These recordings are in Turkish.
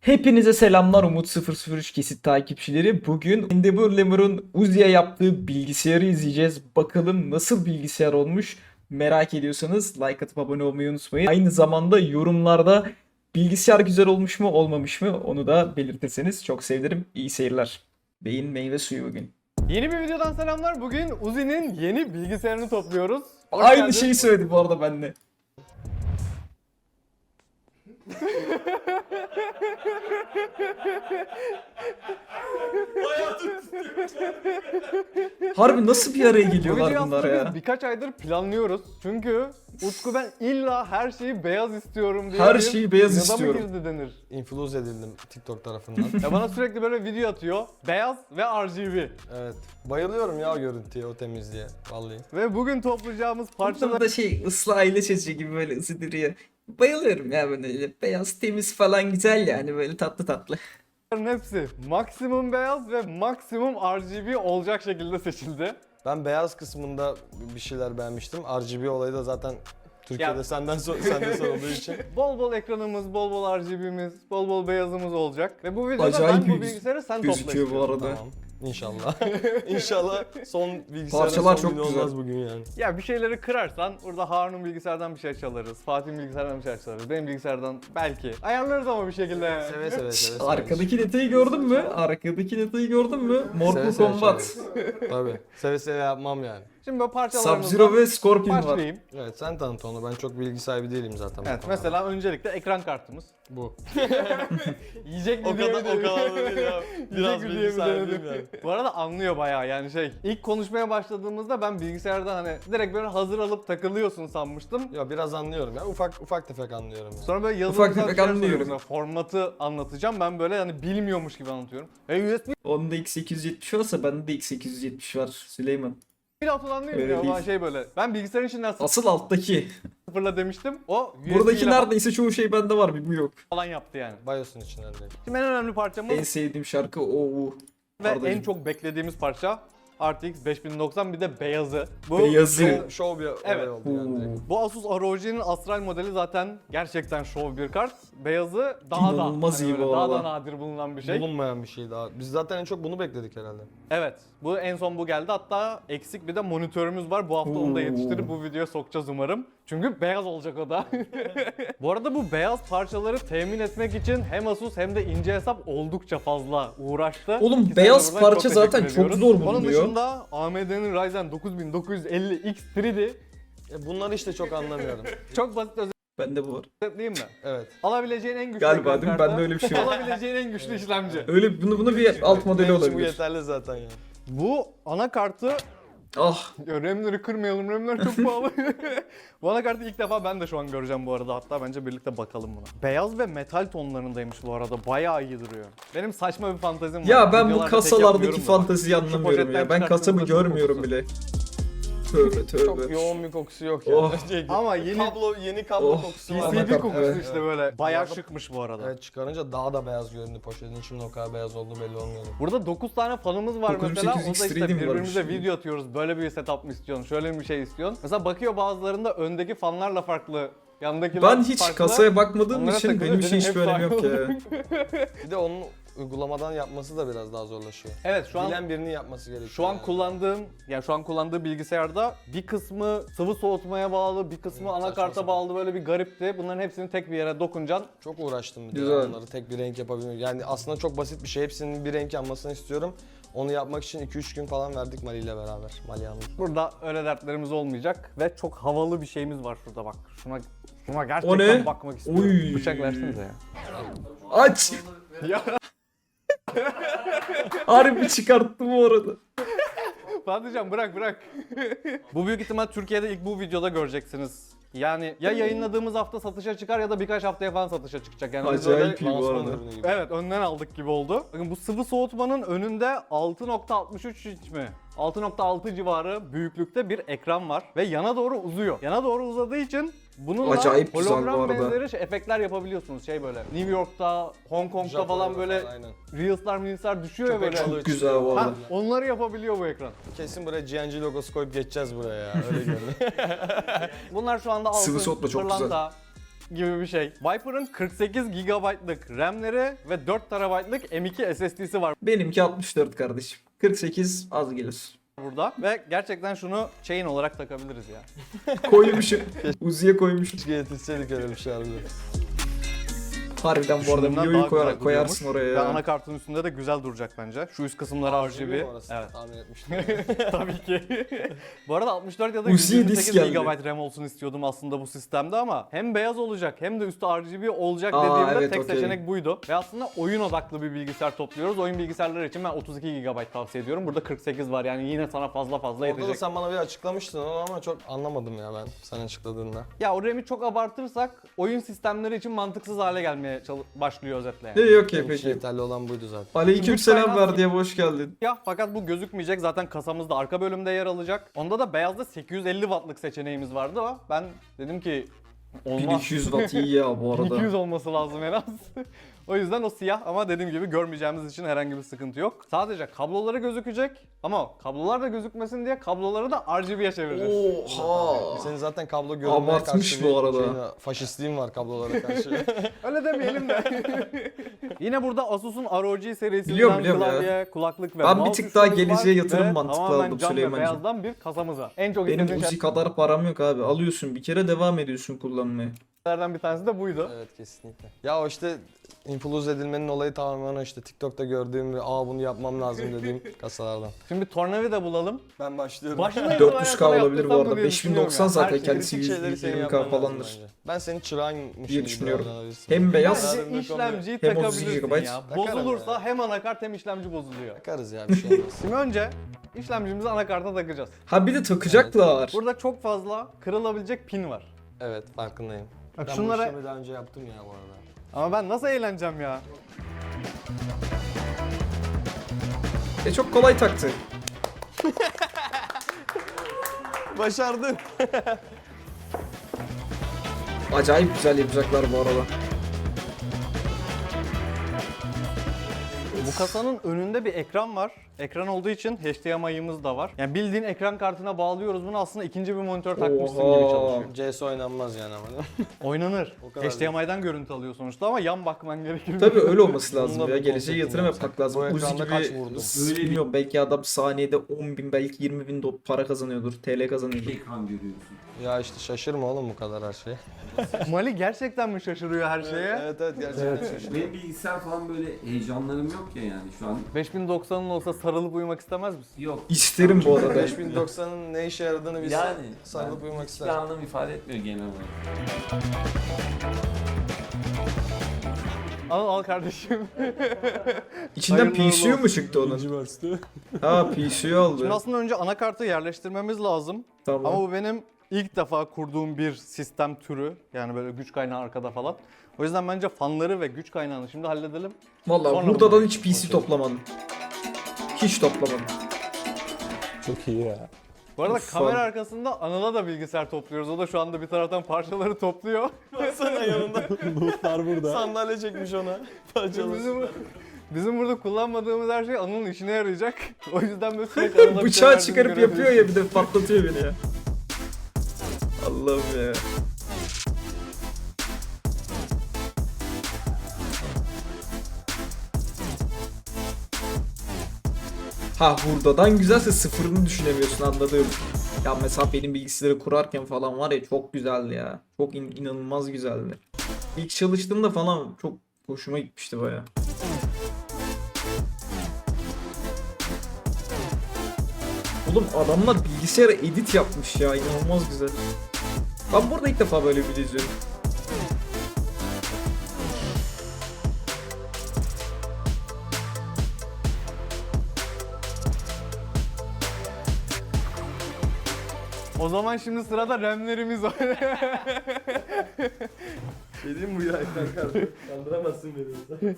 Hepinize selamlar Umut 003 kesit takipçileri. Bugün Endeavor Lemur'un Uzi'ye yaptığı bilgisayarı izleyeceğiz. Bakalım nasıl bilgisayar olmuş, merak ediyorsanız like atıp abone olmayı unutmayın. Aynı zamanda yorumlarda bilgisayar güzel olmuş mu olmamış mı onu da belirtirseniz çok sevinirim. İyi seyirler. Beyin meyve suyu bugün. Yeni bir videodan selamlar. Bugün Uzi'nin yeni bilgisayarını topluyoruz. Hoş Aynı geldin. şeyi söyledi bu arada ben de. Harbi nasıl bir araya Bu geliyorlar videoyu bunlar aslında ya? biz birkaç aydır planlıyoruz. Çünkü Utku ben illa her şeyi beyaz istiyorum diye Her bir şeyi beyaz inada istiyorum. mı girdi denir. İnfluence edildim TikTok tarafından. Ya bana sürekli böyle video atıyor. Beyaz ve RGB. Evet. Bayılıyorum ya o görüntüye, o temizliğe. Vallahi. Ve bugün toplayacağımız parçalar Parçada şey ıslı aile çocuğu gibi böyle ısı duruyor. Bayılıyorum ya böyle beyaz temiz falan güzel yani böyle tatlı tatlı. hepsi maksimum beyaz ve maksimum RGB olacak şekilde seçildi. Ben beyaz kısmında bir şeyler beğenmiştim. RGB olayı da zaten Türkiye'de Ya- senden sorulduğu için. Bol bol ekranımız, bol bol RGB'miz, bol bol beyazımız olacak. Ve bu videoda Acayip ben bu bir bilgisayarı sen gözüküyor topla bu istiyorum. arada. Tamam. İnşallah. İnşallah son bilgisayarın Parçalar son çok günü güzel. olmaz bugün yani. Ya bir şeyleri kırarsan burada Harun'un bilgisayardan bir şey çalarız. Fatih'in bilgisayardan bir şey çalarız. Benim bilgisayardan belki. Ayarlarız ama bir şekilde. Seve seve seve. Arkadaki detayı gördün mü? Arkadaki detayı gördün mü? Seve Mortal seve Kombat. Tabii. Seve seve yapmam yani. Şimdi böyle Sub-Zero parçalarımızdan ve Scorpion var. başlayayım. Evet sen tanıt onu. Ben çok bilgi sahibi değilim zaten. bu Evet konuda. mesela öncelikle ekran kartımız. Bu. Yiyecek mi O diye kadar mi o kadar da değil ya. Biraz Yiyecek mi diye bilgi mi sahibiyim denedim? yani. Bu arada anlıyor bayağı yani şey. İlk konuşmaya başladığımızda ben bilgisayardan hani direkt böyle hazır alıp takılıyorsun sanmıştım. Ya biraz anlıyorum ya. Ufak tefek anlıyorum yani. Sonra böyle Ufak yazılımsal tefek şeyler anlıyorum. soruyorsun. Formatı anlatacağım. Ben böyle hani bilmiyormuş gibi anlatıyorum. USB Onda X870 varsa bende de X870 var Süleyman. bile falan değil mi Öyle ya? değil. Ulan şey böyle. Ben bilgisayarın içinden Asıl alttaki. sıfırla demiştim. O USB Buradaki ile neredeyse çoğu şey bende var bir bu yok. falan yaptı yani. BIOS'un içinden değil. Şimdi en önemli parçamız En sevdiğim şarkı o. ve Ardacığım. en çok beklediğimiz parça RTX 5090 bir de beyazı. Bu Beyazı. Show bir olay Evet. oldu yani direkt. Bu Asus ROG'nin Astral modeli zaten gerçekten şov bir kart. Beyazı daha İnanılmaz da iyi hani bu böyle daha da arada. nadir bulunan bir şey. Bulunmayan bir şey daha. Biz zaten en çok bunu bekledik herhalde. Evet. Bu en son bu geldi. Hatta eksik bir de monitörümüz var. Bu hafta onu da Oo. yetiştirip bu videoya sokacağız umarım. Çünkü beyaz olacak o da. Bu arada bu beyaz parçaları temin etmek için hem Asus hem de ince hesap oldukça fazla uğraştı. Oğlum, İkisine beyaz buradan çok parça teşekkür zaten çok ediyoruz. zor Onun bulunuyor. dışında AMD'nin Ryzen 9950X 3D Bunları işte çok anlamıyorum. çok basit Bende bu var. özetleyeyim mi? Evet. Alabileceğin en güçlü Galiba ekran değil mi? kartı, Bende öyle bir şey var. Alabileceğin en güçlü işlemci. Öyle bunu bir alt modeli Benim için bu olabilir. yeterli zaten yani. Bu anakartı Ah, ya RAM'leri kırmayalım, RAM'ler çok pahalı. Bu anakartı ilk defa ben de şu an göreceğim bu arada. Hatta bence birlikte bakalım buna. Beyaz ve metal tonlarındaymış bu arada. Bayağı iyi duruyor. Benim saçma bir fantezim var. ya ben bu Videolarda tek kasalardaki yapmıyorum da bak. fanteziyi anlamıyorum poşetten ya. Ben kasamı çıkarttığımda şu görmüyorum kokusu. bile. Tövbe Çok tövbe. yoğun bir kokusu yok ya. Oh. Ama yeni yeni kablo Oh, kokusu var. PCB PCB kokusu Evet. işte böyle. Bayağı Bu arada- şıkmış bu arada. Evet çıkarınca daha da beyaz göründü poşetin. Şimdi o kadar beyaz olduğu belli olmuyor. Burada 9 tane fanımız var 9800 mesela. O da işte X3D mi birbirimize varmış? video atıyoruz. Böyle bir setup mı istiyorsun? Şöyle bir şey istiyorsun. Mesela bakıyor bazılarında öndeki fanlarla farklı. Yandakiler Ben hiç farklı. kasaya bakmadığım Onlara için takılıyor, benim için benim hiçbir hep önemi yok aynı ya. Bir de onun uygulamadan yapması da biraz daha zorlaşıyor. Evet şu an Bilen birinin yapması gerekiyor. Şu an yani. kullandığım bilgisayarda bir kısmı sıvı soğutmaya bağlı, bir kısmı saçma anakarta sapan. bağlı böyle bir garipti. Bunların hepsini tek bir yere dokuncan. Çok uğraştım bir de Güzel. onları tek bir renk yapabilmek. Yani aslında çok basit bir şey. Hepsinin bir renk yanmasını istiyorum. Onu yapmak için 2-3 gün falan verdik Mali ile beraber. Mali yalnız. Burada öyle dertlerimiz olmayacak ve çok havalı bir şeyimiz var şurada bak. Şuna O gerçekten ne? bakmak istiyorum. Oy. Bıçak versenize ya. Aç! Ya Harbi çıkarttı bu arada. Fatihcan bırak. Bu büyük ihtimal Türkiye'de ilk bu videoda göreceksiniz. Yani ya yayınladığımız hafta satışa çıkar ya da birkaç haftaya falan satışa çıkacak. Yani biz Acayip öyle- iyi bu Lansman arada. ürünü gibi. Evet önden aldık gibi oldu. Bakın bu sıvı soğutmanın önünde 6.63 inç mi? 6.6 civarı büyüklükte bir ekran var ve yana doğru uzuyor. Yana doğru uzadığı için bununla Acayip güzel bu hologram arada. benzeri efektler yapabiliyorsunuz. Şey böyle New York'ta, Hong Kong'da Japonya'da falan böyle aynen. Reels'lar düşüyor ya Köpek böyle. balığı güzel bu çıkıyor. arada. Ha, onları yapabiliyor bu ekran. Kesin buraya GNG logosu koyup geçeceğiz buraya ya. Öyle görünüyor. Bunlar şu anda altın, Sıvı soğutma çok güzel. pırlanta, gibi bir şey. Viper'ın 48 GB'lık RAM'leri ve 4 TB'lık M.2 SSD'si var Benimki 64 kardeşim. 48 az gelir. burada ve gerçekten şunu chain olarak takabiliriz ya. Koymuşum. Uzi'ye koymuşum. Keşke yetişseydik öyle bir şey harbiden. Harbiden bu arada Düşündüğümden videoyu daha güzel koyarsın duruyormuş. oraya Ve ya. anakartın üstünde de güzel duracak bence. Şu üst kısımları RGB. mi orası? Evet. Tahmin etmiştim. Tabii ki. Bu arada 64 ya da Uzi'ye 128 disk geldi. GB RAM olsun istiyordum aslında bu sistemde ama hem beyaz olacak hem de üstü RGB olacak Aa, dediğimde evet, tek okey. seçenek buydu. Ve aslında oyun odaklı bir bilgisayar topluyoruz. Oyun bilgisayarları için ben 32 GB tavsiye ediyorum. Burada 48 var yani yine sana fazla Orada da yetecek. sen bana bir açıklamıştın onu ama çok anlamadım ya ben sen açıkladığında. Ya o RAM'i çok abartırsak oyun sistemleri için mantıksız hale gelmeye başlıyor özetle yani. İyi okey Benim için peki. yeterli olan buydu zaten. Aleykümselam Lütfen ver diye hoş geldin. Ya fakat bu gözükmeyecek zaten kasamızda arka bölümde yer alacak. Onda da beyazda 850 wattlık seçeneğimiz vardı ama ben dedim ki olmaz. 1200 watt iyi ya bu arada. 200 olması lazım en az. O yüzden o siyah ama dediğim gibi görmeyeceğimiz için herhangi bir sıkıntı yok. Sadece kabloları gözükecek ama kablolar da gözükmesin diye kabloları da RGB'ye çevireceğiz. Oha. Senin zaten kablo görünmeye Abartmış karşı bu bir arada. faşistliğin var kablolara karşı. Öyle demeyelim de. Yine burada Asus'un ROG serisinden Biliyorum ya. klavye, kulaklık ve Ben bir mouse tık daha üçlümüz var geleceğe yatırım ve mantıklı tamamen aldım cam ve Süleyman'cığım. beyazdan bir kasamız var. En çok Benim istediğim Uzi kadar param yok abi. Alıyorsun bir kere devam ediyorsun kullanmaya. şeylerden bir tanesi de buydu. Evet kesinlikle. Ya o işte influence edilmenin olayı tamamen o işte TikTok'ta gördüğüm ve bunu yapmam lazım dediğim kasalardan. Şimdi bir tornavida bulalım. Ben başlıyorum. Başına 400k olabilir bu arada. 5090 zaten Kritik kendisi şeyleri senin 120k yapman lazım falandır. bence. Ben senin çırağınmışım diye gibi düşünüyorum. davranabilirsin. Hem beyaz Bence işlemciyi hem 32 takabilirsin GB. ya. Takarım Bozulursa ya. hem anakart hem işlemci bozuluyor. Bakarız ya bir şey olmaz. Şimdi önce işlemcimizi anakarta takacağız. Ha bir de takacaklar. Burada çok fazla kırılabilecek pin var. Evet farkındayım. Bak Ben şunlara... bu işlemi daha önce yaptım ya bu arada. Ama ben nasıl eğleneceğim ya? Çok kolay taktı. Başardın. Acayip güzel yapacaklar bu arada. Bu kasanın önünde bir ekran var. Ekran olduğu için HDMI'ımız da var. Yani bildiğin ekran kartına bağlıyoruz bunu aslında ikinci bir monitör takmışsın Oha. gibi çalışıyor. CS oynanmaz yani ama. Oynanır. O kadar HDMI'den görüntü alıyor sonuçta ama yan bakman gerekir. Tabii öyle olması lazım Bununla ya. bir Geleceğe konseptim yatırım yapsak. yapmak lazım. Bu Uzi ekranda gibi kaç vurdun? bilmiyorum belki adam saniyede 10.000 belki 20.000 para kazanıyordur. TL kazanıyordur. Ekran görüyorsun. Ya işte şaşırma oğlum bu kadar her şey. Mali gerçekten mi şaşırıyor her şeye? Evet gerçekten şaşırdım. Benim bilgisayar falan böyle heyecanlarım yok ya yani şu an. 5090'ın olsa sarılıp uyumak istemez misin? Yok. İsterim bu arada. 5090'ın ne işe yaradığını bilsen Yani sarılıp ben uyumak hiçbir ister. anlam ifade etmiyor genel olarak. Al kardeşim. İçinden Hayırlı PSU mu olsun. çıktı onun? Ha PSU aldı. Şimdi aslında önce anakartı yerleştirmemiz lazım. Tamam. Ama bu benim ilk defa kurduğum bir sistem türü. Yani böyle güç kaynağı arkada falan. O yüzden bence fanları ve güç kaynağını şimdi halledelim. Vallahi Sonra buradan bunu- hiç PC toplamadım. Hiç toplamadım. Çok iyi ya. Bu arada Uf, kamera fan. arkasında Anıl'a da bilgisayar topluyoruz. O da şu anda bir taraftan parçaları topluyor. Sana yanında Lootlar burada. sandalye çekmiş ona. Bizim burada kullanmadığımız her şey Anıl'ın işine yarayacak. O yüzden böyle sürekli Anıl'a bir şey Bıçağı verdiğini çıkarıp yapıyor görebiliriz. ya bir de patlatıyor beni ya. Allah'ım ya. Ha hurdadan güzelse sıfırını düşünemiyorsun anladım. Ya mesela benim bilgisayarı kurarken falan var ya çok güzeldi ya. Çok inanılmaz güzeldi. İlk çalıştığımda falan çok hoşuma gitmişti baya. Oğlum adamlar bilgisayara edit yapmış ya inanılmaz güzel. Ben burada ilk defa böyle bir video izliyorum. O zaman şimdi sırada RAM'lerimiz var. Dediğim bu ya ekran kartı. Kandıramazsın beni.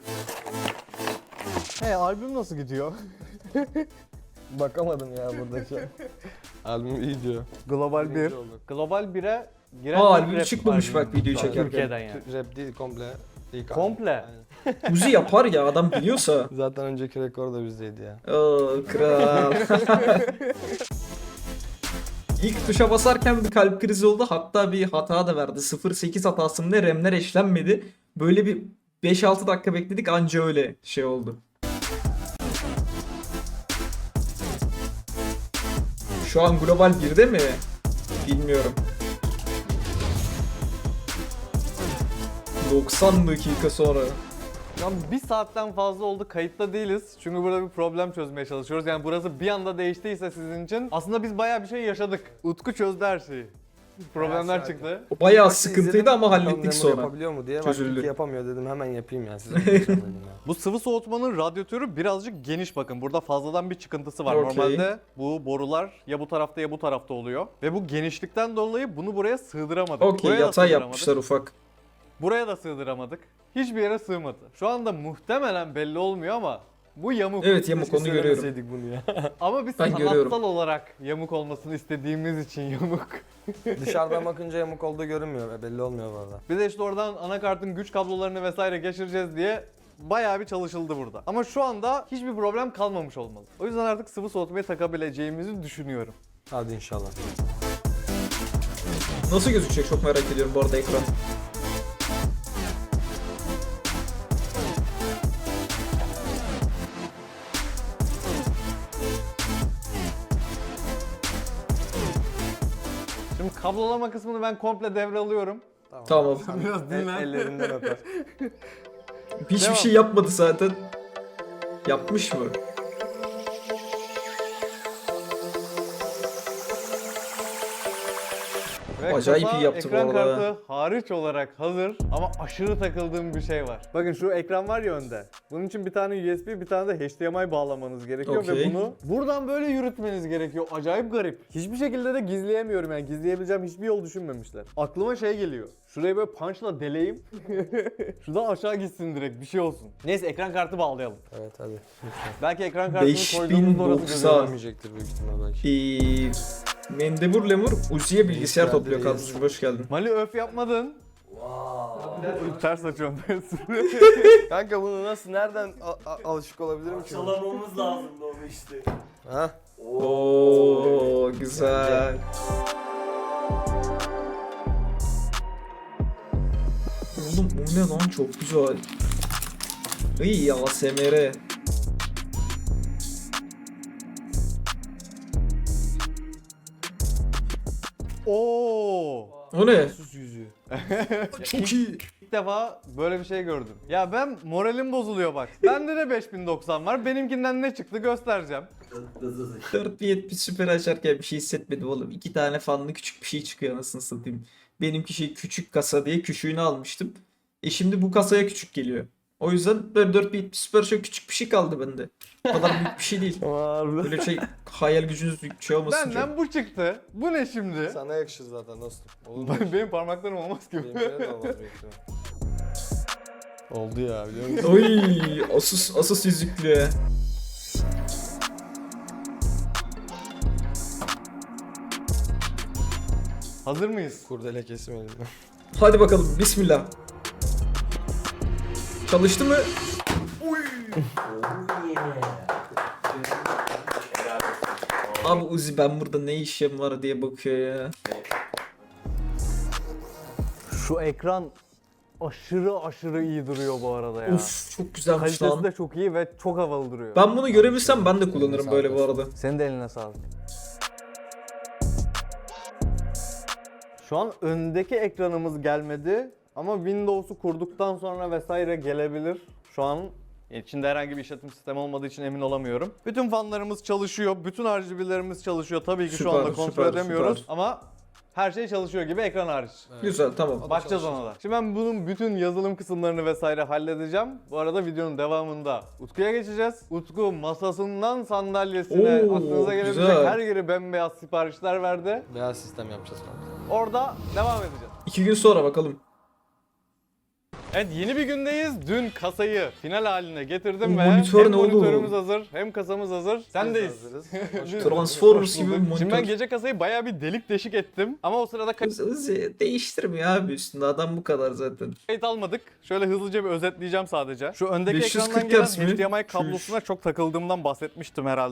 Hey albüm nasıl gidiyor? Bakamadım ya buradaki. Albüm iyi diyor. Global 1. Birinci olduk. Global 1'e giren Aa, ilk albüm rap çıkmamış albüm. bak videoyu çekerken. Türkiye'den yani. Rap değil komple. İlk Komple? albüm. Uzi yapar ya adam biliyorsa. Zaten önceki rekor da bizdeydi ya. Oo kral. İlk tuşa basarken bir kalp krizi oldu. Hatta bir hata da verdi. 0.8 hatası mı ne? RAM'ler eşlenmedi. Böyle bir 5-6 dakika bekledik anca öyle şey oldu. Şu an global 1'de mi? Bilmiyorum. 90 dakika sonra. Ya bir saatten fazla oldu kayıtta değiliz. Çünkü burada bir problem çözmeye çalışıyoruz. Yani burası bir anda değiştiyse sizin için aslında biz bayağı bir şey yaşadık. Utku çözdü her şeyi. Problemler sakin. çıktı. O bayağı Maçı sıkıntıydı izledim, ama bakalım hallettik Lemur sonra. Yapabiliyor mu diye. Çözüldü. Çözüldü. Yapamıyor dedim, hemen yapayım ya size. Dedim ya. Bu sıvı soğutmanın radyatörü birazcık geniş bakın. Burada fazladan bir çıkıntısı var. Okey. Normalde bu borular ya bu tarafta ya bu tarafta oluyor. Ve bu genişlikten dolayı bunu buraya sığdıramadık. Okey, Buraya da yatay sığdıramadık. yapmışlar ufak. Buraya da sığdıramadık. Hiçbir yere sığmadı. Şu anda muhtemelen belli olmuyor ama bu yamuk. Evet, yamuk, onu görüyorum. Söylemeseydik bunu ya. Ama biz Ben sanatsal görüyorum. olarak yamuk olmasını istediğimiz için yamuk. Dışarıdan bakınca yamuk olduğu görünmüyor. Belli olmuyor bu arada. Bir de işte oradan anakartın güç kablolarını vesaire geçireceğiz diye bayağı bir çalışıldı burada. Ama şu anda hiçbir problem kalmamış olmalı. O yüzden artık sıvı soğutmayı takabileceğimizi düşünüyorum. Hadi inşallah. Nasıl gözükecek çok merak ediyorum bu arada ekran. Şimdi kablolama kısmını ben komple devralıyorum. Tamam. Biraz dinlen. Ellerinden öper. Hiçbir Devam. şey yapmadı zaten. Yapmış mı? Ve Acayip kasa iyi yaptı bu ekran arada. kartı hariç olarak hazır ama aşırı takıldığım bir şey var. Bakın şu ekran var ya önde. Bunun için bir tane USB, bir tane de HDMI bağlamanız gerekiyor ve Okey. bunu buradan böyle yürütmeniz gerekiyor. Acayip garip. Hiçbir şekilde de gizleyemiyorum yani. Gizleyebileceğim hiçbir yol düşünmemişler. Aklıma şey geliyor. Şurayı böyle punchla deleyim. Şuradan aşağı gitsin direkt bir şey olsun. Neyse ekran kartı bağlayalım. Evet hadi. Lütfen. Belki ekran kartını koyduğumuzda orası 5090. gözükmez. Görmeyecektir büyük ihtimal belki. Mendebur Lemur Uzi'ye bilgisayar Geldi, topluyor reis. kadrocu. Hoş geldin. Mali öf yapmadın. Ters açıyorum ters. Kanka bunu nasıl, nereden alışık olabilirim ki? Çalamamız lazımdı onu işte. Ha? Oo güzel. Oğlum bu ne lan, çok güzel. İyi ASMR. Oo. O ne? Sus yüzüğü. Çok iyi. İlk defa böyle bir şey gördüm. Ya ben moralim bozuluyor bak. Bende de 5090 var. Benimkinden ne çıktı göstereceğim. 4070 süper açarken bir şey hissetmedim oğlum. 2 tane fanlı küçük bir şey çıkıyor anasını satayım. Benimki şey küçük kasa diye küçüğünü almıştım. Şimdi bu kasaya küçük geliyor. O yüzden 4070 süper çok küçük bir şey kaldı bende. O kadar büyük bir şey değil. Böyle şey hayal gücünüz şey olmasın. Benden bu çıktı. Bu ne şimdi? Sana yakışır zaten dostum. Olur mu? Benim parmaklarım olmaz ki. Benimkine de olmaz büyük ihtimal. Oldu ya, biliyor musun? Oy, Asus yüzüklü. Hazır mıyız? Kurdele kesim elimden. Hadi bakalım bismillah. Çalıştı mı? Abi Uzi ben burada ne işim var diye bakıyor ya. Şu ekran aşırı iyi duruyor bu arada ya. Of çok güzelmiş Kalitesi lan. de çok iyi ve çok havalı duruyor. Ben bunu görebilsem ben de kullanırım böyle bu arada. Senin de eline sağlık. Şu an öndeki ekranımız gelmedi ama Windows'u kurduktan sonra vesaire gelebilir. Şu an içinde herhangi bir işletim sistemi olmadığı için emin olamıyorum. Bütün fanlarımız çalışıyor, bütün RGB'lerimiz çalışıyor. Tabii ki şu Süper, anda kontrol süper, edemiyoruz süper. ama her şey çalışıyor gibi ekran hariç. Güzel tamam. Bakacağız ona da. Şimdi ben bunun bütün yazılım kısımlarını vesaire halledeceğim. Bu arada videonun devamında Utku'ya geçeceğiz. Utku masasından sandalyesine Oo, aklınıza gelebilecek güzel. her yeri bembeyaz siparişler verdi. Beyaz sistem yapacağız kanka. Orada devam edeceğiz. 2 gün sonra bakalım. Evet yeni bir gündeyiz. Dün kasayı final haline getirdim Bu ve monitör hem ne oğlum? monitörümüz hazır hem kasamız hazır. Sendeyiz. Transformers gibi bir Şimdi ben monitör. gece kasayı bayağı bir delik deşik ettim ama o sırada Uzi değiştirmiyor abi üstünde, adam bu kadar zaten. kayıt almadık. Şöyle hızlıca bir özetleyeceğim sadece. Şu öndeki 540 ekrandan gelen Hz mi? HDMI kablosuna çok takıldığımdan bahsetmiştim herhalde.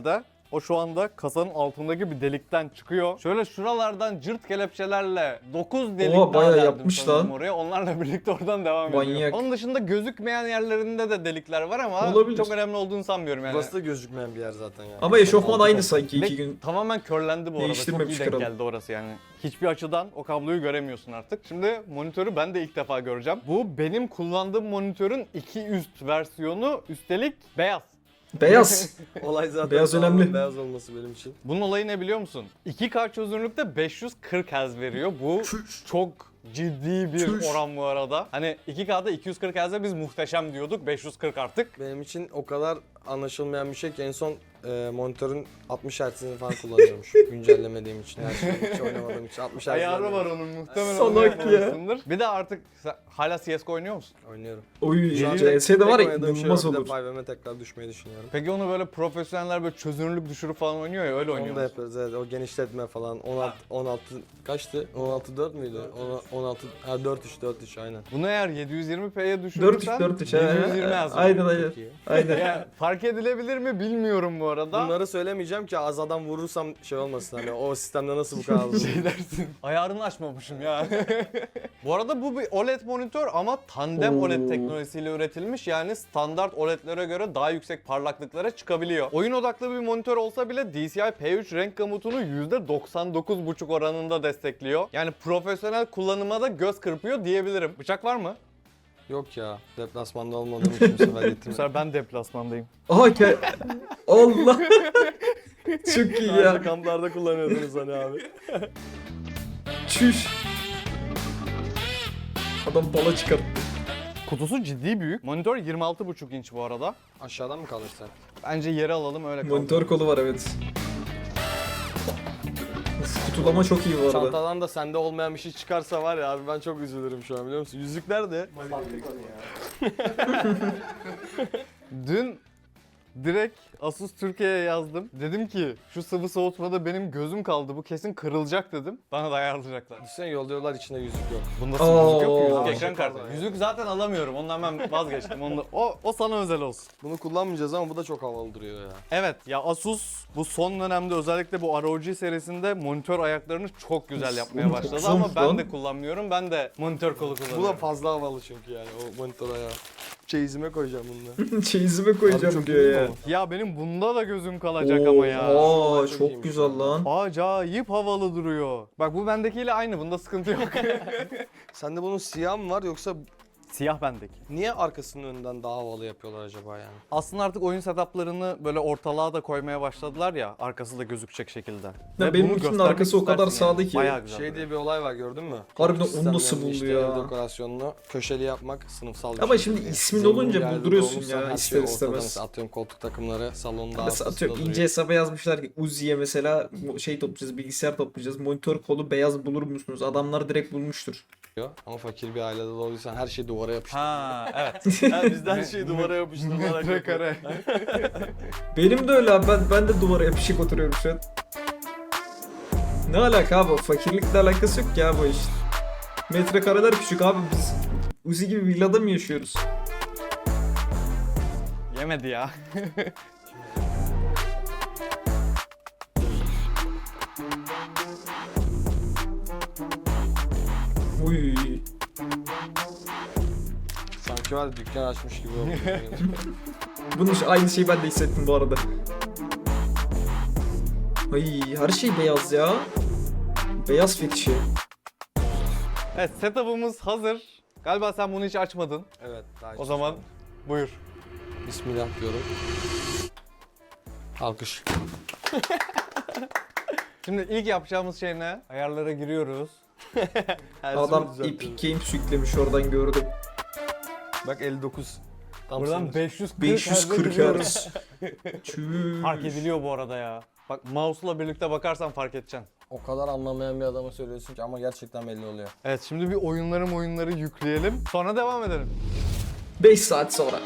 O şu anda kasanın altındaki bir delikten çıkıyor. Şöyle şuralardan cırt kelepçelerle 9 delik Oha, daha bayağı deldim yapmış sanırım lan. oraya. Onlarla birlikte oradan devam ediyor. Manyak. Onun dışında gözükmeyen yerlerinde de delikler var ama Olabilir. çok önemli olduğunu sanmıyorum yani. Burası da gözükmeyen bir yer zaten yani. Ama eşofman Altı aynı top. sanki Ve 2 gün. tamamen körlendi bu arada. Çok iyi Değiştirmemiş denk kral. geldi orası yani. Hiçbir açıdan o kabloyu göremiyorsun artık. Şimdi monitörü ben de ilk defa göreceğim. Bu benim kullandığım monitörün 2 üst versiyonu, üstelik beyaz. Beyaz. Olay zaten Beyaz tamamen önemli. beyaz olması benim için. Bunun olayı ne biliyor musun? 2K çözünürlükte 540 Hz veriyor. Bu çok ciddi bir Çüş. oran bu arada. Hani 2K'da 240 Hz'e biz muhteşem diyorduk. 540 artık. Benim için o kadar anlaşılmayan bir şey ki en son monitörün 60 Hz'ini falan kullanıyormuş. Güncellemediğim için, her şeyi hiç oynamadığım için 60 Hz. Ayarı var onun muhtemelen. Salak onu ya. yapmamışsındır. Bir de artık hala CSGO oynuyor musun? Oynuyorum. Oy, Şu an CS'de var ya oynadığım şey inanılmaz yok. Bir de olur. 5M'e tekrar düşmeyi düşünüyorum. Peki onu böyle profesyoneller böyle çözünürlük düşürüp falan oynuyor ya, öyle oynuyor Onu da musun? yapıyoruz, evet. O genişletme falan. 16 kaçtı? 16.4 müydü? 16 ha 4.3 aynen. Bunu eğer 720p'ye düşürürsen 4-3 720 yazıyor. Aynen aynen. Çok iyi. Aynen. Yani fark edilebilir mi bilmiyorum bu arada. Bunları söylemeyeceğim ki az adam vurursam şey olmasın, hani o sistemde nasıl bu kadar Şey dersin. Ayarını açmamışım ya. Bu arada bu bir OLED monitör ama tandem Oo. OLED teknolojisiyle üretilmiş. Yani standart OLED'lere göre daha yüksek parlaklıklara çıkabiliyor. Oyun odaklı bir monitör olsa bile DCI P3 renk gamutunu %99,5 oranında destekliyor. Yani profesyonel kullanıma da göz kırpıyor diyebilirim. Bıçak var mı? Yok ya, deplasmanda olmadığım için bu sefer Bu getirmedim. sefer ben deplasmandayım. Aha Allah. Çok iyi Sadece ya. kamplarda kullanıyordunuz hani abi. Çüş. Adam bala çıkarttı. Kutusu ciddi büyük. Monitör 26,5 inç bu arada. Aşağıdan mı kalırsan? Bence yeri alalım öyle kalkalım. Monitör kolu var evet. Uf, kutulama çok iyi bu arada. Çantadan da sende olmayan bir şey çıkarsa var ya abi, ben çok üzülürüm şu an, biliyor musun? Yüzükler de. Dün direkt Asus Türkiye'ye yazdım. Dedim ki şu sıvı soğutmada benim gözüm kaldı, bu kesin kırılacak dedim. Bana da ayarlayacaklar. Düşünsene, yolluyorlar, içinde yüzük yok. Bunda sıvı yüzük yok ki, Oo. yüzük ekran kartı. Yüzük zaten alamıyorum, ondan ben vazgeçtim. O sana özel olsun. Bunu kullanmayacağız ama bu da çok havalı duruyor ya. Evet ya, Asus bu son dönemde özellikle bu ROG serisinde monitör ayaklarını çok güzel yapmaya Oğlum, başladı çok ama zayıf ben lan. de kullanmıyorum. Ben de monitör kolu kullanıyorum. Bu da fazla havalı çünkü yani, o monitör ayağı. Çeyizime koyacağım bunu. Çeyizime Abi koyacağım çok diyor iyi ya. mi Ya benim bunda da gözüm kalacak ama ya. Aa, Çok çok iyiymiş güzel ya. lan. Acayip havalı duruyor. Bak bu bendekiyle aynı, bunda sıkıntı yok. Sende bunun siyah mı var yoksa Siyah bendeki. niye arkasının önünden daha havalı yapıyorlar acaba yani? Aslında artık oyun setuplarını böyle ortalığa da koymaya başladılar ya, arkası da gözükecek şekilde. Ve benim bunu ikinin göstermek arkası o kadar istersin yani. sağda ki. Bayağı güzel. Şey diye bir olay var, gördün mü? Harbiden Koltuk onu nasıl sistemlerini, buldu işte ya? ev dekorasyonunu köşeli yapmak sınıfsal bir Ama şey şimdi diye. ismin Zengin olunca bir ailede bulduruyorsun doğmuşsan ya, her ister şey ortada. istemez. Mesela atıyorum koltuk takımları salonda Mesela arkasında atıyorum duruyor. ince hesaba yazmışlar ki Uzi'ye mesela şey toplayacağız, bilgisayar toplayacağız. Monitör kolu beyaz bulur musunuz? Adamlar direkt bulmuştur. Ama fakir bir ailede doğduysan her şeyi duvara yapıştır. Ha evet. Biz de her şeyi duvara yapıştırmalar Metrekare. Benim de öyle abi. Ben de duvara yapışık oturuyorum şu an. Ne alaka abi? Fakirlikle alakası yok ya bu iş. Metrekareler küçük abi, biz Uzi gibi villada mı yaşıyoruz? Yemedi ya. Uy. Sanki var ya, dükkan açmış gibi oldu. Bunun aynı şeyi ben de hissettim bu arada. Ay, her şey beyaz ya. Beyaz fetişi. Evet, setup'ımız hazır. Galiba sen bunu hiç açmadın. Evet. Daha O zaman buyur. Bismillah diyorum. Alkış. Şimdi ilk yapacağımız şey ne? Ayarlara giriyoruz. Adam Epic Games yüklemiş, oradan gördüm. Bak 59. Tam Buradan sınır. 540 540 giriyoruz. Hz. Çüş. Fark ediliyor bu arada ya. Bak mouse'la birlikte bakarsan fark edeceksin. O kadar anlamayan bir adama söylüyorsun ki ama gerçekten belli oluyor. Evet, şimdi bir oyunları yükleyelim. Sonra devam edelim. 5 saat sonra.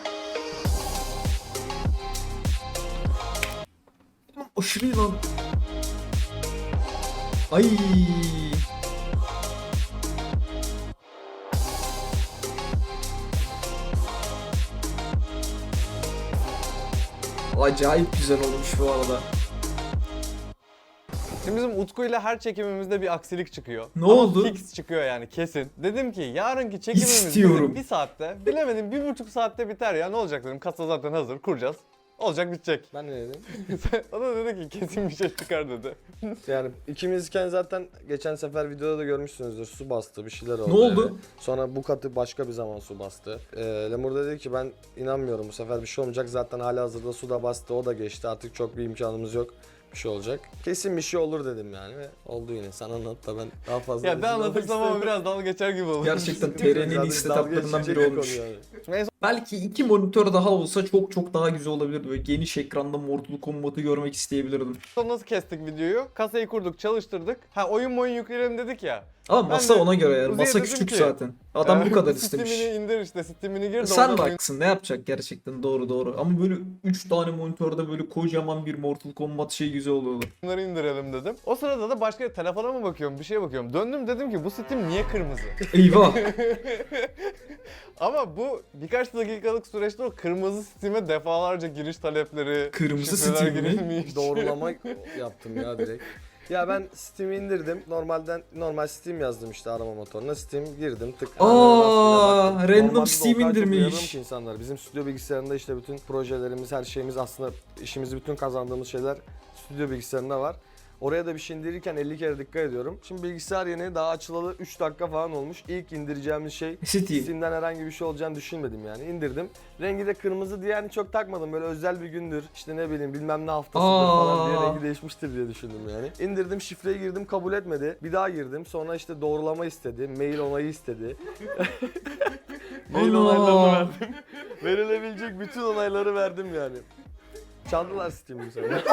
Aşırı iyi lan. Ay. Acayip güzel olmuş bu arada. Şimdi bizim Utku'yla her çekimimizde bir aksilik çıkıyor. Ne Ama oldu? fix çıkıyor yani kesin. Dedim ki yarınki çekimimiz İstiyorum. dedim, bir saatte, bilemedim 1,5 saatte biter ya, ne olacak dedim. Kasa zaten hazır, kuracağız. Olacak, bitecek. Ben ne dedim? O da dedi ki kesin bir şey çıkar dedi. Yani ikimizken zaten geçen sefer videoda da görmüşsünüzdür, su bastı, bir şeyler oldu. Ne oldu? yani. Sonra bu katı başka bir zaman su bastı. Lemur da dedi ki ben inanmıyorum, bu sefer bir şey olmayacak, zaten halihazırda su da bastı, o da geçti, artık çok bir imkanımız yok. Bir şey olacak. Kesin bir şey olur dedim yani ve oldu yine. Sen anlat da ben daha fazla... Ya ben anlatırsam ama biraz dalga geçer gibi olur. Gerçekten TR'nin en iyi setuplarından biri olmuş. Yani. Belki 2 monitör daha olsa çok daha güzel olabilirdi. Böyle geniş ekranda Mortal Kombat'ı görmek isteyebilirdim. Sonra nasıl kestik videoyu? Kasayı kurduk, çalıştırdık. Ha oyun yükleyelim dedik ya. Ama Ben masa de ona göre yani. Uzi'ye Masa dedim küçük ki, zaten. Adam bu kadar istemiş. Steam'ini indir işte, Steam'ini gir de Sen de oradan oyun- haklısın. Ne yapacak gerçekten? Doğru. Ama böyle 3 tane monitörde böyle kocaman bir Mortal Kombat şey güzel oluyordu. Bunları indirelim dedim. O sırada da başka telefona mı bakıyorum, bir şeye bakıyorum. Döndüm, dedim ki bu Steam niye kırmızı? Eyvah. Ama bu birkaç dakikalık süreçte o kırmızı Steam'e defalarca giriş talepleri, Kırmızı şifreler Steam mi? girilmiş. Doğrulama yaptım ya direkt. Ya ben Steam'i indirdim. Normal Steam yazdım işte arama motoruna. Steam girdim tık. Aa, Baktım. random Normalde Steam o kadar çok indirmiş. uyarırım ki insanlar. Bizim stüdyo bilgisayarında işte bütün projelerimiz, her şeyimiz, aslında işimizi bütün kazandığımız şeyler stüdyo bilgisayarında var. Oraya da bir şey indirirken 50 kere dikkat ediyorum. Şimdi bilgisayar yeni, daha açılalı 3 dakika falan olmuş. İlk indireceğimiz şey Steam. Steam'den herhangi bir şey olacağını düşünmedim yani. İndirdim. Rengi de kırmızı diye yani çok takmadım. Böyle özel bir gündür, işte ne bileyim bilmem ne haftasıdır falan diye rengi değişmiştir diye düşündüm yani. İndirdim, şifreyi girdim, kabul etmedi. Bir daha girdim. Sonra işte doğrulama istedi, mail onayı istedi. Mail onaylarını verdim. Verilebilecek bütün onayları verdim yani. Çaldılar Steam'i bu sefer.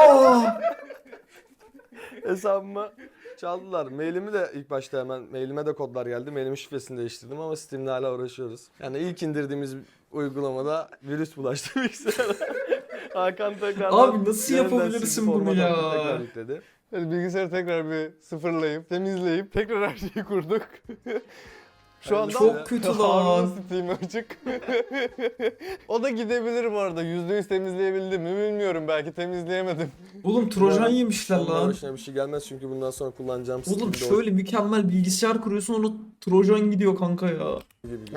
Hesabıma çaldılar. Mailimi de ilk başta hemen mailime de kodlar geldi. Mailimin şifresini değiştirdim ama Steam'le hala uğraşıyoruz. Yani ilk indirdiğimiz uygulamada virüs bulaştı bilgisayara. Hakan tekrar Abi nasıl yapabilirsin bunu ya? Tekrar yükledi. Yani bilgisayarı tekrar bir sıfırlayıp, temizleyip tekrar her şeyi kurduk. Şu Yani anda çok kötü lan. Harun'un Steam'i açık. O da gidebilir bu arada. %100 temizleyebildim mi bilmiyorum. Belki temizleyemedim. Oğlum Trojan yemişler Ondan lan. başına bir şey gelmez çünkü bundan sonra kullanacağım Oğlum Steam'de şöyle mükemmel bilgisayar kuruyorsun onu Trojan gidiyor kanka ya. gibi.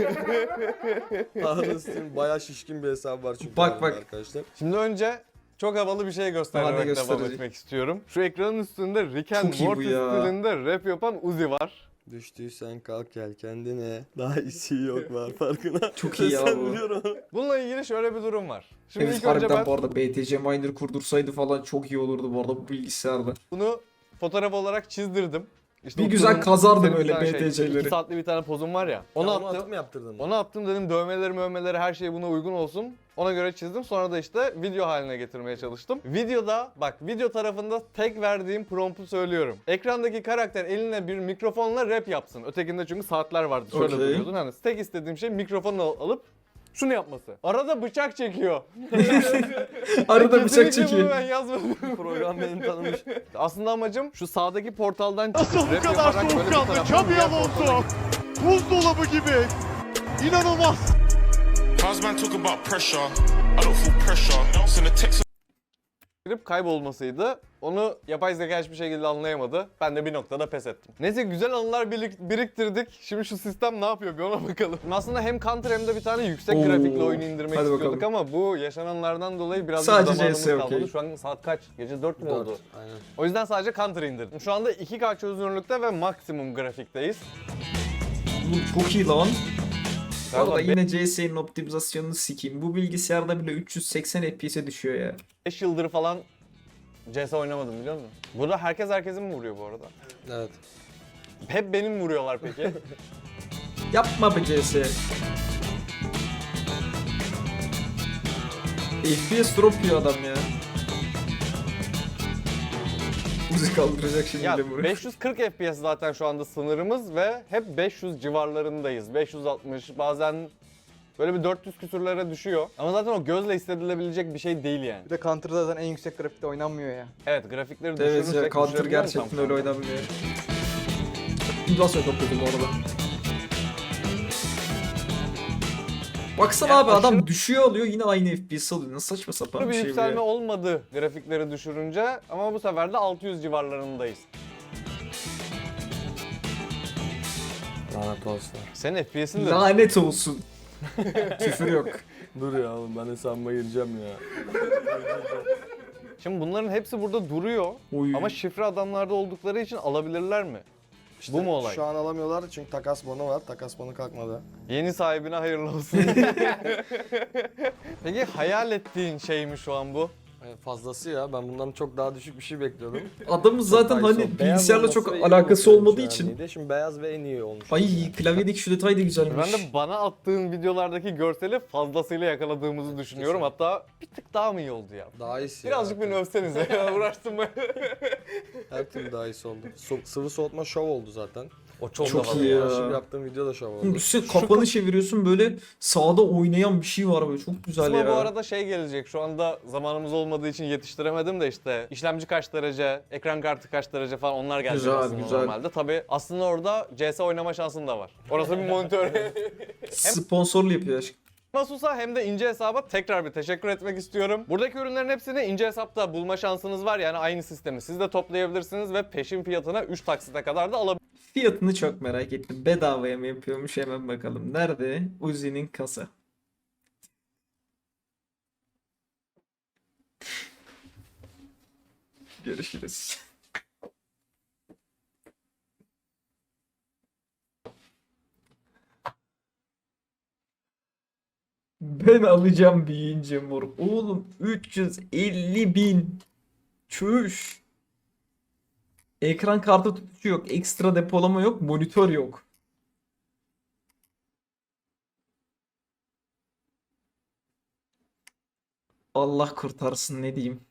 Harun Steam bayağı şişkin bir hesap var çünkü. Bak. Arkadaşlar. Şimdi önce çok havalı bir şey Hadi göstererek devam gösterecek. etmek istiyorum. Şu ekranın üstünde Rick and Çok iyi bu Morty ya. stilinde rap yapan Uzi var. Düştüysen kalk gel kendine. Daha iyisi yok var farkına. Çok iyi ya Sen bu. biliyorum. Bununla ilgili şöyle bir durum var. Şimdi Evet ilk önce harbiden ben bu arada BTC Miner kurdursaydı falan çok iyi olurdu bu arada bu bilgisayarda. bunu fotoğraf olarak çizdirdim. İşte Bir o güzel turun- kazardım bir öyle tane BTC'leri. 2 saatli bir tane pozum var ya. Onu Onu attım. atıp mı yaptırdın? Onu attım, dedim dövmeleri her şey buna uygun olsun. Ona göre çizdim. Sonra da işte video haline getirmeye çalıştım. Videoda bak, video tarafında tek verdiğim promptu söylüyorum. Ekrandaki karakter eline bir mikrofonla rap yapsın. Ötekinde çünkü saatler vardı. Şöyle Okey. duruyordun. Hani tek istediğim şey mikrofonu alıp şunu yapması. Arada bıçak çekiyor. Arada bıçak Kesinlikle çekiyor. bunu ben yazmadım. Program beni tanımış. Aslında amacım şu sağdaki portaldan çıkıp Nasıl bu rap kadar yaparak böyle bir soğukkanlı? taraftan Xabi diğer portala Alonso. Buzdolabı gibi. İnanılmaz. How's man talk about pressure? I don't feel pressure. Send a text. girip kaybolmasıydı. Onu yapay zeka hiçbir şekilde anlayamadı. Ben de bir noktada pes ettim. Neyse, güzel anılar biriktirdik. Şimdi şu sistem ne yapıyor bir ona bakalım. Şimdi hem Counter hem de bir tane yüksek Oo. grafikli oyunu indirmek Hadi istiyorduk bakalım. ama bu yaşananlardan dolayı biraz Sadece zamanımız CS kalmadı. okey. Şu an saat kaç? Gece 4 mü 4. oldu? Aynen. O yüzden sadece Counter indirdim. Şu anda 2K çözünürlükte ve maksimum grafikteyiz. Oğlum çok iyi lan. Bu arada Galiba yine CS'nin optimizasyonunu sikeyim. Bu bilgisayarda bile 380 FPS'e düşüyor ya. 5 yıldır falan CS oynamadım, biliyor musun? Burada herkes herkesin mi vuruyor bu arada? Evet. Hep benim mi vuruyorlar peki? Yapma be CS. FPS drop yiyor adam ya. Müzik kaldıracak şimdi Ya de buraya. 540 FPS zaten şu anda sınırımız ve hep 500 civarlarındayız. 560, bazen böyle bir 400 küsürlere düşüyor. Ama zaten o gözle hissedilebilecek bir şey değil yani. Bir de Counter'da zaten en yüksek grafikte oynanmıyor ya. Evet, grafikleri Evet düşürürsek ya Counter düşürebiliyor musun gerçekten tam öyle şu anda? oynanmıyor. Nasıl çok kötü bu arada. Baksana Yani abi adam aşırı- düşüyor alıyor yine aynı FPS alıyor. Nasıl saçma sapan Bir bir şey bu yükselme ya. olmadı grafikleri düşürünce ama bu sefer de 600 civarlarındayız. Lanet olsun. Senin FPS'in de Lanet olsun. Küfür yok. Dur ya oğlum ben hesabıma gireceğim ya. Şimdi bunların hepsi burada duruyor Oy. ama şifre adamlarda oldukları için alabilirler mi? İşte Bu mu olay? Şu an alamıyorlar çünkü takas bonu var. Takas bonu kalkmadı. Yeni sahibine hayırlı olsun. Peki hayal ettiğin şey mi şu an bu? Fazlası ya. Ben bundan çok daha düşük bir şey bekliyordum. Adamın zaten Çok daha iyi hani oldu. Beyaz bilgisayarla olması çok ve iyi alakası olması olmadığı yani için. iyiydi. Şimdi beyaz ve en iyi olmuş. Ay klavyedeki şu detay da güzelmiş. Ben de bana attığın videolardaki görseli fazlasıyla yakaladığımızı düşünüyorum. Hatta bir tık daha mı iyi oldu ya? Daha iyisi Birazcık ya. beni övsenize ya, uğraştım ben. Her türlü daha iyisi oldu. Sıvı soğutma şov oldu zaten. O çok, Çok havalı iyi ya. ya. Şimdi yaptığım video da şov oldu. Oğlum düşünsene kafanı çeviriyorsun böyle sağda oynayan bir şey var böyle çok güzel Kısma ya. bu arada şey gelecek. Şu anda zamanımız olmadığı için yetiştiremedim de işte işlemci kaç derece, ekran kartı kaç derece falan onlar gelecek Güzel, aslında güzel. normalde. Tabii aslında orada CS oynama şansın da var. Orası bir monitör. Sponsorlu yapıyor aşkım. Asus'a hem de ince hesaba tekrar bir teşekkür etmek istiyorum. Buradaki ürünlerin hepsini ince hesapta bulma şansınız var. Yani aynı sistemi siz de toplayabilirsiniz ve peşin fiyatına 3 taksite kadar da alabilirsiniz. Fiyatını çok merak ettim. Bedavaya mı yapıyormuş hemen bakalım. Nerede? Uzi'nin kasa. Görüşürüz. Ben alacağım büyüyünce mor. Oğlum 350.000. Çüş. Ekran kartı tutucu yok. Ekstra depolama yok. Monitör yok. Allah kurtarsın ne diyeyim.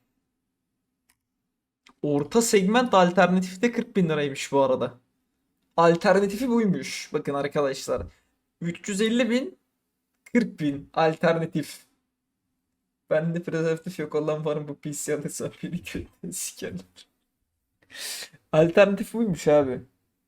Orta segment alternatifi de 40.000 liraymış bu arada. Alternatifi buymuş. Bakın arkadaşlar. 350.000 40.000 alternatif. Bende prezervatif yok olan var mı bu PC alırsa beni kötü sikerler. Alternatif buymuş abi.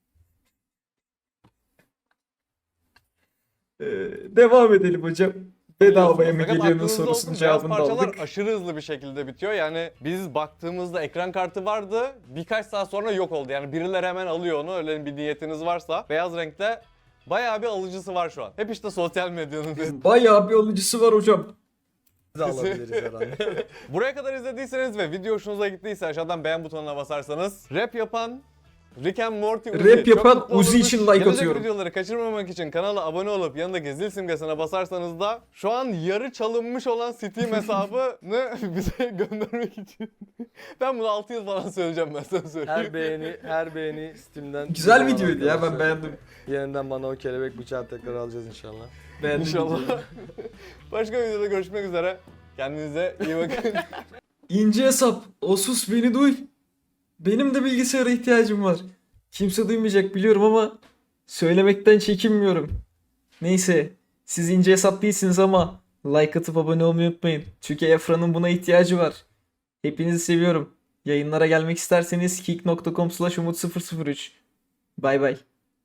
Devam edelim hocam. Bedavaya mı Fakat geliyorsun aklınızda sorusunun olsun, cevabını da beyaz parçalar aldık. aşırı hızlı bir şekilde bitiyor. Yani biz baktığımızda ekran kartı vardı. Birkaç saat sonra yok oldu. Yani birileri hemen alıyor onu. Öyle bir niyetiniz varsa. Beyaz renkte bayağı bir alıcısı var şu an. Hep işte sosyal medyanın. Bayağı bir alıcısı var hocam. Biz de alabiliriz herhalde. Buraya kadar izlediyseniz ve video hoşunuza gittiyse aşağıdan beğen butonuna basarsanız rap yapan Rick and Morty Uzi Rap çok yapan mutlu Uzi olurmuş. için like Gelecek atıyorum. videoları kaçırmamak için kanala abone olup yanındaki zil simgesine basarsanız da şu an yarı çalınmış olan Steam hesabını bize göndermek için. Ben bunu 6 yıl falan söyleyeceğim, ben sana söyleyeyim. her beğeni Steam'den. Güzel videoydu ya ben beğendim. Yeniden bana o kelebek bıçağı tekrar alacağız inşallah. Beğendim İnşallah. videoyu. Başka bir videoda görüşmek üzere. Kendinize iyi bakın. İnce hesap. Asus beni duy. Benim de bilgisayara ihtiyacım var. Kimse duymayacak biliyorum ama söylemekten çekinmiyorum. Neyse. Siz ince hesap değilsiniz ama like atıp abone olmayı unutmayın. Çünkü Efra'nın buna ihtiyacı var. Hepinizi seviyorum. Yayınlara gelmek isterseniz kick.com/umut003. Bay bay.